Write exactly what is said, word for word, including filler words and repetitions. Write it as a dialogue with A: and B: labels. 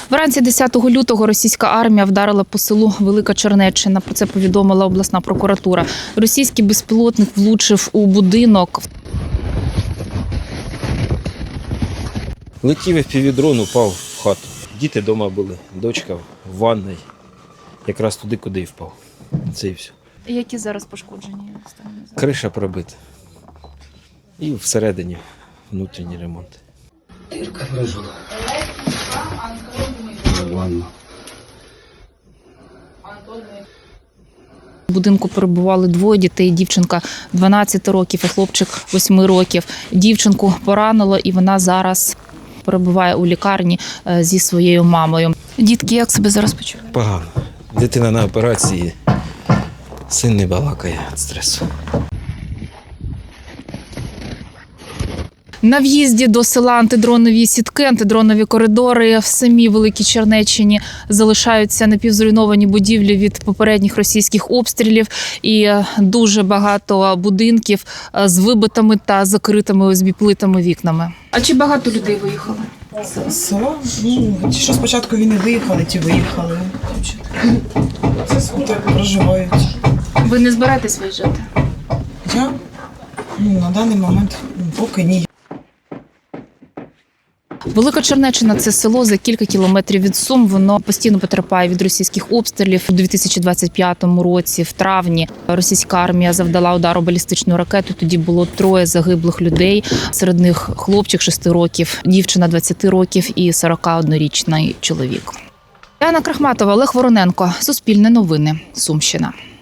A: Вранці десятого лютого російська армія вдарила по селу Велика Чернеччина. Про це повідомила обласна прокуратура. Російський безпілотник влучив у будинок.
B: Летів еф пі ві-дрон, упав в хату. Діти вдома були, дочка в ванній. Якраз туди, куди і впав. Це і все.
A: Які зараз пошкоджені?
B: Криша пробита. І всередині внутрішній ремонт.
C: Ирка выжила. Ладно.
A: У будинку перебували двоє дітей. Дівчинка дванадцяти років і хлопчик восьми років. Дівчинку поранило і вона зараз перебуває у лікарні зі своєю мамою. Дітки, як себе зараз почувають?
B: Погано. Дитина на операції. Син не балакає від стресу.
A: На в'їзді до села антидронові сітки, антидронові коридори в самій Великій Чернеччині залишаються напівзруйновані будівлі від попередніх російських обстрілів і дуже багато будинків з вибитими та закритими о ес бі-плитами вікнами. А чи багато людей виїхали?
D: Село? Ну, ті, що спочатку війни виїхали, ті виїхали. Так проживають.
A: Ви не збираєтесь виїжджати?
D: Я? Ну, на даний момент поки ні.
A: Велика Чернеччина – це село за кілька кілометрів від Сум. Воно постійно потерпає від російських обстрілів. У дві тисячі двадцять п'ятому році, в травні, російська армія завдала удару балістичною ракетою. Тоді було троє загиблих людей. Серед них хлопчик шести років, дівчина двадцяти років і сорокаоднорічний чоловік. Яна Крахматова, Олег Вороненко. Суспільне новини. Сумщина.